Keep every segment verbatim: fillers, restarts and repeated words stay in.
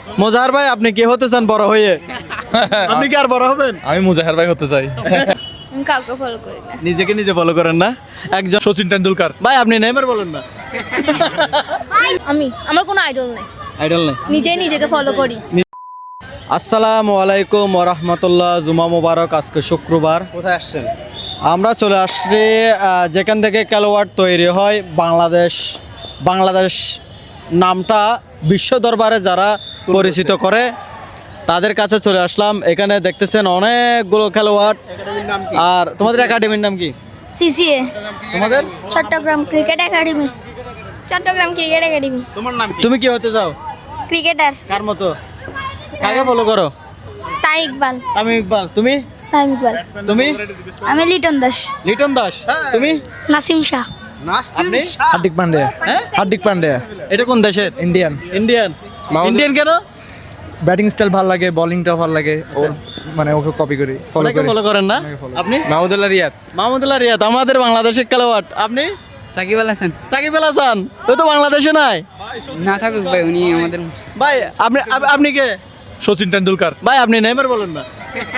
মোজাহার ভাই আপনি কি হতে চান বড় হয়ে? আপনি কি আর বড় হবেন? আমি মুজাহার ভাই হতে চাই। আমি কাউকে ফলো করি না। নিজেকে নিজে ফলো করেন না? একজন সচিন টেন্ডুলকার। ভাই আপনি নেইমার বলেন না। আমি আমার কোনো আইডল নেই, আইডল নেই, নিজেই নিজেকে ফলো করি। আসসালামু আলাইকুম ওয়া রাহমাতুল্লাহ। জুমা মোবারক। আজকে শুক্রবার। কোথায় আসছেন? আমরা চলে আসছি আহ, যেখান থেকে খেলোয়াড় তৈরি হয় বাংলাদেশ। বাংলাদেশ নামটা বিশ্ব দরবারে যারা পরিচিত করে তাদের কাছে চলে আসলাম। এখানে দেখতেছেন অনেকগুলো খেলোয়াড়। একাডেমির নাম কি? আর তোমাদের একাডেমির নাম কি? সিসিএ তোমাদের? Chattogram cricket academy. Chattogram cricket academy. তোমার নাম কি? তুমি কি হতে চাও? ক্রিকেটার কার মতো? কাকে ফলো করো? তাই ইকবাল। আমি ইকবাল। তুমি? তাই ইকবাল। তুমি? আমি লিটন দাস। লিটন দাস। তুমি? নাসিম শাহ। নাসিম আপনি? শাহ। হার্দিক পান্ডিয়া। হ্যাঁ? হার্দিক পান্ডিয়া এটা কোন দেশের? ইন্ডিয়ান। ইন্ডিয়ান। ইন্ডিয়ান কেন? ব্যাটিং স্টাইল ভালো লাগে, বোলিংটা ভালো লাগে, ওর মানে ওকে কপি করি, ফলো অনেকে করি। ফলো করেন না? অনেকে follow আপনি? মাহমুদুল্লাহ রিয়াদ। মাহমুদুল্লাহ রিয়াদ আমাদের বাংলাদেশের খেলোয়াড়। আপনি? সাকিব আল হাসান। সাকিব আল হাসান। ও তো বাংলাদেশে নাই। না থাকুক ভাই, উনি আমাদের ভাই আপনি আপ- আপনি কে? সচিন টেন্ডুলকার। ভাই আপনি নেইমার বলেন না।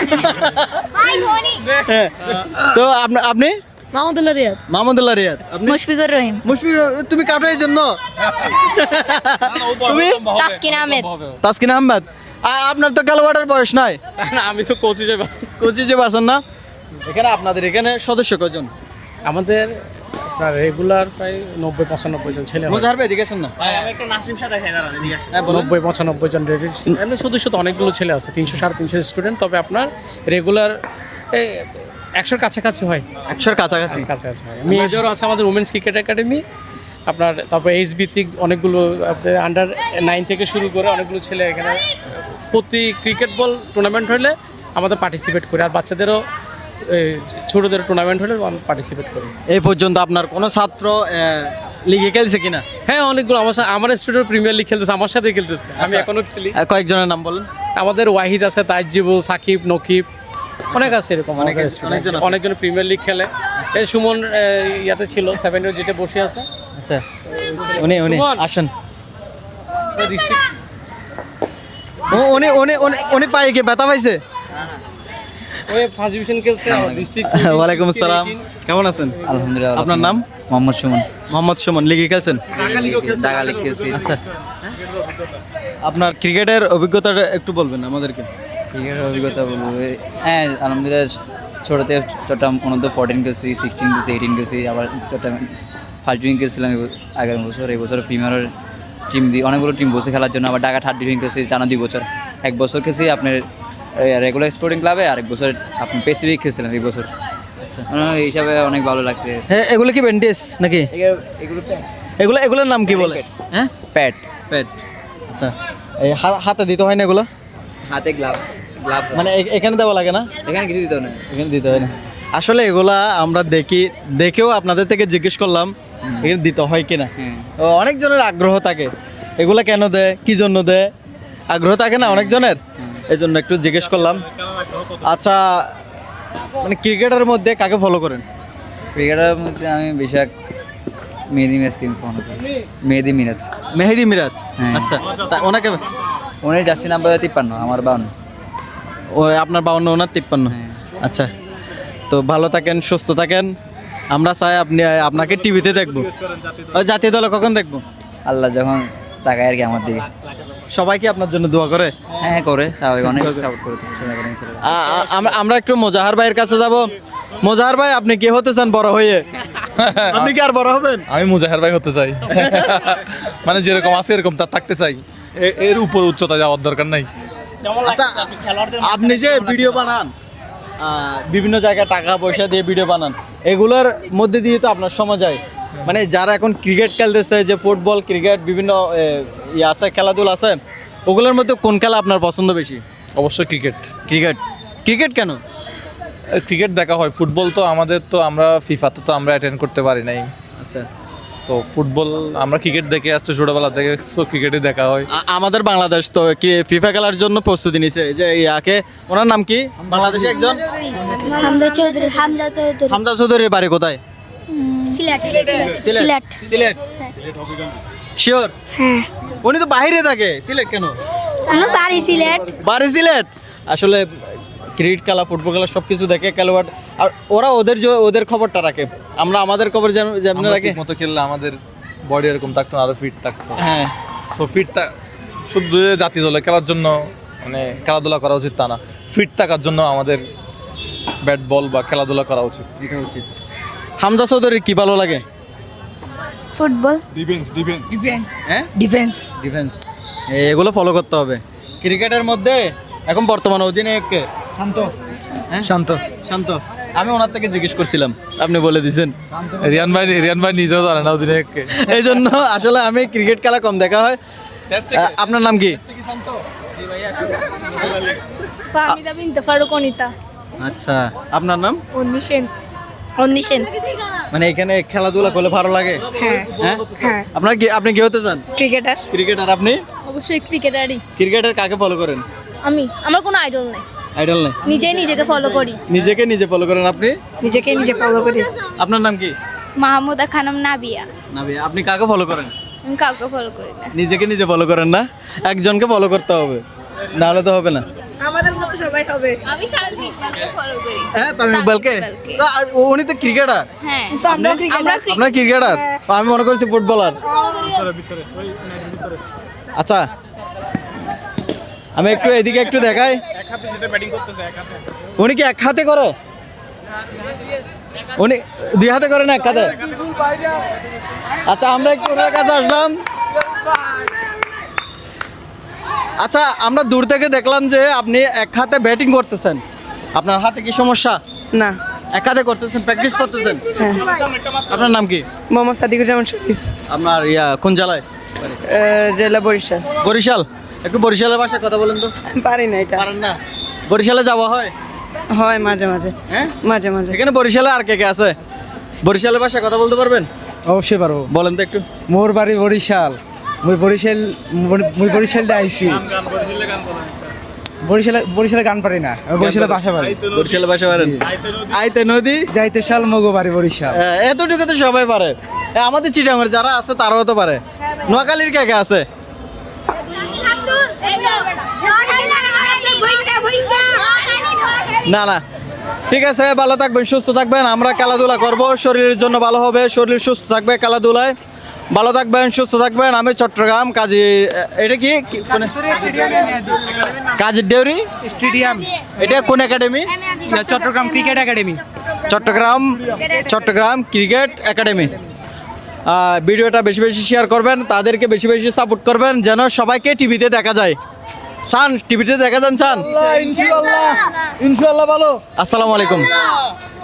হ্যাঁ। তো আপনি আপনি মাহমুদুল্লাহ রিয়াদ। মাহমুদুল্লাহ রিয়াদ। আপনি? মুশফিকুর রহিম। মুশফিক তুমি কাটো এই জন্য? তুমি? তাসকিন আহমেদ। তাসকিন আহমেদ। আ- আপনার তো খেলোয়াড়ের বয়স নাই। না, আমি তো কোচ হিসেবে আছি। কোচি যে বাসন না। এখানে আপনাদের এখানে সদস্য কজন? আমাদের আপনার রেগুলার প্রায় নব্বই পঁচানব্বই জন ছেলে হয়। মোজাহার ভাই এদিকে আসেন না। আমি একটা নাসিম শাহ দেখাই দাঁড়ান এদিকে আসেন। হ্যাঁ বলুন। নব্বই পঁচানব্বই জন রেডি এমনি শুধু শুধু অনেকগুলো ছেলে আছে, তিনশো সাড়ে তিনশো স্টুডেন্ট। তবে আপনার রেগুলার একশোর কাছাকাছি হয়, একশোর কাছাকাছি। কাছাকাছি হয়। মেজরও আছে আমাদের উমেন্স ক্রিকেট একাডেমি। আপনার তারপর এইচ ভিত্তিক অনেকগুলো আন্ডার নাইন থেকে শুরু করে অনেকগুলো ছেলে এখানে প্রতি ক্রিকেট বল টুর্নামেন্ট হলে আমাদের পার্টিসিপেট করে, আর বাচ্চাদেরও এই, ছোটদের টুর্নামেন্ট হলে পার্টিসিপেট করি। এই পর্যন্ত আপনার কোনো ছাত্র লিগে খেলছে কিনা? হ্যাঁ, অনেকগুলো আমার সা- আমার স্টুডেন্ট প্রিমিয়ার লিগ খেলতেছে, আমার সাথে খেলতেছে, আমি এখনো খেলি। আহ, কয়েকজনের নাম বলেন। আমাদের ওয়াহিদ আছে, তাইজিবুল, সাকিব, নকিব, অনেক আছে এরকম অনেক অনেক আছে, অনেকজন আছে। অনেকজন প্রিমিয়ার লিগ খেলে। এই সুমন এ, ইয়াতে ছিল সেভেন ইয়ার যেটা বসে আছে আচ্ছা উনি উনি সুমন। আসেন। ডিস্ট্রিক্ট। ও- উনি উনি উনি উনি পায়ে কি ব্যথা পাইছে? ওই ফার্স্ট ডিভিশন খেলছে ডিস্ট্রিক্ট। ওয়ালাইকুম আসসালাম। কেমন আছেন? আলহামদুলিল্লাহ। আপনার নাম? মোহাম্মদ সুমন। মোহাম্মদ সুমন। লিগে খেলছেন? জায়গা লিখেছি। আচ্ছা আপনার ক্রিকেটের অভিজ্ঞতাটা একটু বলবেন আমাদেরকে। ক্রিকেটের অভিজ্ঞতা বলবো, হ্যাঁ আলহামদুলিল্লাহ। ছোটোতে চট্টগ্রাম অনন্ত ফোরটিন গেছি, সিক্সটিন গেছি, এইটিন গেছি, আবার চট্টগ্রাম ফার্স্ট ডিভিশন গেছিলাম এই ব- আগের বছর। এই বছর প্রিমিয়ারের টিম দিয়ে অনেকগুলো টিম বসে খেলার জন্য, আবার ঢাকা থার্ড ডিভিশন গেছি টানা দুই বছর। এক বছর খেয়েছি আপনার রেগুলার স্পোর্টিং ক্লাবে, আর এক বছর আপনি পেসিফিক খেয়েছিলাম এই বছর। আচ্ছা, এই হিসাবে অনেক ভালো লাগছে। হ্যাঁ এগুলো কি ব্যান্ডেজ নাকি? এগুলো এগুলো এগুলোর নাম কি বলে? হ্যাঁ প্যাড, প্যাড। আচ্ছা এই হা- হাতে দিতে হয় না এগুলো? হাতে গ্লাভস, গ্লাভস মানে এ- এখানে দেওয়া লাগে না? এখানে কিছু দিতে হবে না। এখানে দিতে হয় না। আসলে এগুলা আমরা দেখি, দেখেও আপনাদের থেকে জিজ্ঞেস করলাম এখানে দিতে হয় কিনা। হ্যাঁ। ও, অনেকজনের আগ্রহ থাকে এগুলা কেন দেয়, কি জন্য দেয়, আগ্রহ থাকে না অনেকজনের, এই জন্য একটু জিজ্ঞেস করলাম। আচ্ছা মানে ক্রিকেটের মধ্যে কাকে ফলো করেন? ক্রিকেটের মধ্যে আমি বেশিরভাগ মেহেদি মিরাজকে ফলো করি। মেহেদি মিরাজ, মেহেদি মিরাজ। হ্যাঁ। আচ্ছা তা ওনাকে, ওনার জার্সি নাম্বার তিপ্পান্ন, আমার বাউন্ন। ও আপনার বাউন্ন, ওনার তিপ্পান্ন। হ্যাঁ। আচ্ছা তো ভালো থাকেন, সুস্থ থাকেন। আমরা চাই আপনি আপনাকে টিভিতে দেখবো। ওই জাতীয় দলে কখন দেখবো? আল্লাহ যখন তাকায় আর কি আমার দিকে। সবাই কি আপনার জন্য দোয়া করে? হ্যাঁ করে, স্বাভাবিক, অনেক সাপোর্ট করে সবাই করে ছেলেরা। আ- আ- আমরা আমরা একটু মোজাহার ভাইয়ের কাছে যাব। মোজাহার ভাই আপনি কি হতে চান বড় হয়ে? আপনি কি আর বড় হবেন? আমি মুজাহার ভাই হতে চাই। মানে যেরকম আছে এরকম তার থাকতে চাই, এ- এর উপর উচ্চতা যাওয়ার দরকার নাই। আচ্ছা আপনি যে ভিডিও বানান, আহ, বিভিন্ন জায়গায় টাকা পয়সা দিয়ে ভিডিও বানান, এগুলোর মধ্যে দিয়ে তো আপনার সময় যায়। মানে যারা এখন ক্রিকেট খেলতেছে, যে ফুটবল ক্রিকেট বিভিন্ন এ, ইয়ে আছে, খেলাধুলা আছে, ওগুলোর মধ্যে কোন খেলা আপনার পছন্দ বেশি? অবশ্যই ক্রিকেট। ক্রিকেট। ক্রিকেট কেন? ক্রিকেট দেখা হয়, ফুটবল তো আমাদের তো আমরা ফিফাতে তো আমরা অ্যাটেন্ড করতে পারি নাই। আচ্ছা তো ফুটবল আমরা ক্রিকেট দেখে আসছি ছোটবেলা থেকে, সো ক্রিকেটই দেখা হয়। আ- আমাদের বাংলাদেশ তো কি ফিফা খেলার জন্য প্রস্তুতি নিছে, যে ইয়াকে, ওনার নাম কি বাংলাদেশে একজন? হামজা চৌধুরী। হামজা চৌধুরী। হামজা চৌধুরীর বাড়ি কোথায়? সিলেট। সিলেট। সিলেট। শিওর? হ্যাঁ। উনি তো বাইরে থাকে, সিলেট কেন? আমার বাড়ি সিলেট। বাড়ি সিলেট। আসলে ক্রিকেট খেলা ফুটবল খেলা সব কিছু দেখে খেলোয়াড়, আর ওরা ওদের জ- ওদের খবরটা রাখে, আমরা আমাদের খবর যেন যেমন আমরা রাখি। মতো খেললে আমাদের বডি এরকম থাকতো না, আরো ফিট থাকতো। হ্যাঁ সো ফিট শুধু যে জাতীয় দলে খেলার জন্য মানে খেলাধুলা করা উচিত তা না, ফিট থাকার জন্য আমাদের ব্যাট বল বা খেলাধুলা করা উচিত। এটা উচিত। হামজা চৌধুরীর কি ভালো লাগে? ফুটবল। হ্যাঁ ডিফেন্স ডিফেন্স এগুলো ফলো করতে হবে। ক্রিকেটের মধ্যে এখন বর্তমান অধিনায়ক কে? শান্ত। শান্ত শান্ত আমি ওনার থেকে জিজ্ঞেস করছিলাম, আপনি বলে দিয়েছেন। রিয়ান ভাই রিয়ান ভাই নিজেও জানে না অধিনায়ককে। এই জন্য আসলে আমি ক্রিকেট খেলা কম দেখা হয়। আহ, আপনার নাম কি? ফাহমিদা বিনতে ফারুক অনিতা। আচ্ছা, আপনার নাম? অন্নি সেন। অন্নি সেন। মানে এখানে খেলাধুলা করলে ভালো লাগে? হ্যাঁ হ্যাঁ হ্যাঁ। আপনার কি, আপনি কি হতে চান? ক্রিকেটার। ক্রিকেটার। আপনি অবশ্যই ক্রিকেটারই। ক্রিকেটার কাকে ফলো করেন? আমি, আমার কোনো আইডল নাই, আইডল নেই, নিজেই নিজেকে ফলো করি। নিজেকে নিজে ফলো করেন। আপনি? নিজেকে নিজে ফলো করি। আপনার নাম কি? মাহমুদা খানম নাবিয়া। নাবিয়া। আপনি কাকে ফলো করেন? আমি কাউকে ফলো করি না। নিজেকে নিজে ফলো করেন না, একজনকে ফলো করতে হবে, নাহলে তো হবে না। আমাদের মতো সবাই হবে। আমি তামিম ইকবালকে ফলো করি। হ্যাঁ তামিম ইকবালকে। তো আ- উনি তো ক্রিকেটার। হ্যাঁ, তো আমরা আমরা আপনার ক্রিকেটার? আমি মনে করছি ফুটবলার। আচ্ছা, আমি একটু এদিকে একটু দেখাই। উনি কি এক হাতে করে? উনি দুই হাতে করে না এক হাতে? আচ্ছা, আমরা একটু ওনার কাছে আসলাম। আচ্ছা, আমরা দূর থেকে দেখলাম যে আপনি এক হাতে ব্যাটিং করতেছেন, আপনার হাতে কি সমস্যা? না, এক হাতে করতেছেন, প্র্যাকটিস করতেছেন। আপনার নাম কি? মোহাম্মদ সাদিকুজ্জামান শরীফ, আপনার ইয়া কোন জেলায়? আহ, জেলা বরিশাল। বরিশাল। একটু বরিশালের ভাষায় কথা বলেন তো। আমি পারি না এটা। পারেন না? বরিশালে যাওয়া হয়? হয় মাঝে মাঝে, হ্যাঁ মাঝে মাঝে। এখানে বরিশালে আর কে কে আছে? বরিশালের ভাষায় কথা বলতে পারবেন? অবশ্যই পারবো। বলেন তো একটু। মোর বাড়ি বরিশাল, মুই বরিশাল মুই বরিশাল আইছি। বরিশালে বরিশালে গান পারি না, আমি বরিশালে বাসা পারি। বরিশালের ভাষা পারেন? আইতে নদী যাইতে শাল মগো বাড়ি বরিশাল। হ্যাঁ, এতটুকু তো সবাই পারে। এ, আমাদের চিটাঙের যারা আছে তারাও তো পারে। নোয়াখালীর কে কে আছে? না না, ঠিক আছে, ভালো থাকবেন, সুস্থ থাকবেন। আমরা খেলাধুলা করব, শরীরের জন্য ভালো হবে, শরীর সুস্থ থাকবে খেলাধুলায়। ভালো থাকবেন, সুস্থ থাকবেন। আমি চট্টগ্রাম কাজী, এটা কি কি- কোন- কাজী ডেউরি স্টেডিয়াম, এটা কোন academy? Chattogram cricket academy. Chattogram Chattogram cricket academy. আহ, ভিডিওটা বেশি বেশি শেয়ার করবেন, তাদেরকে বেশি বেশি সাপোর্ট করবেন, যেন সবাইকে টিভিতে দেখা যায়। চান টিভিতে দেখা যান? চান? ইনশাআল্লাহ ইনশাআল্লাহ ভালো। আসসালামু আলাইকুম।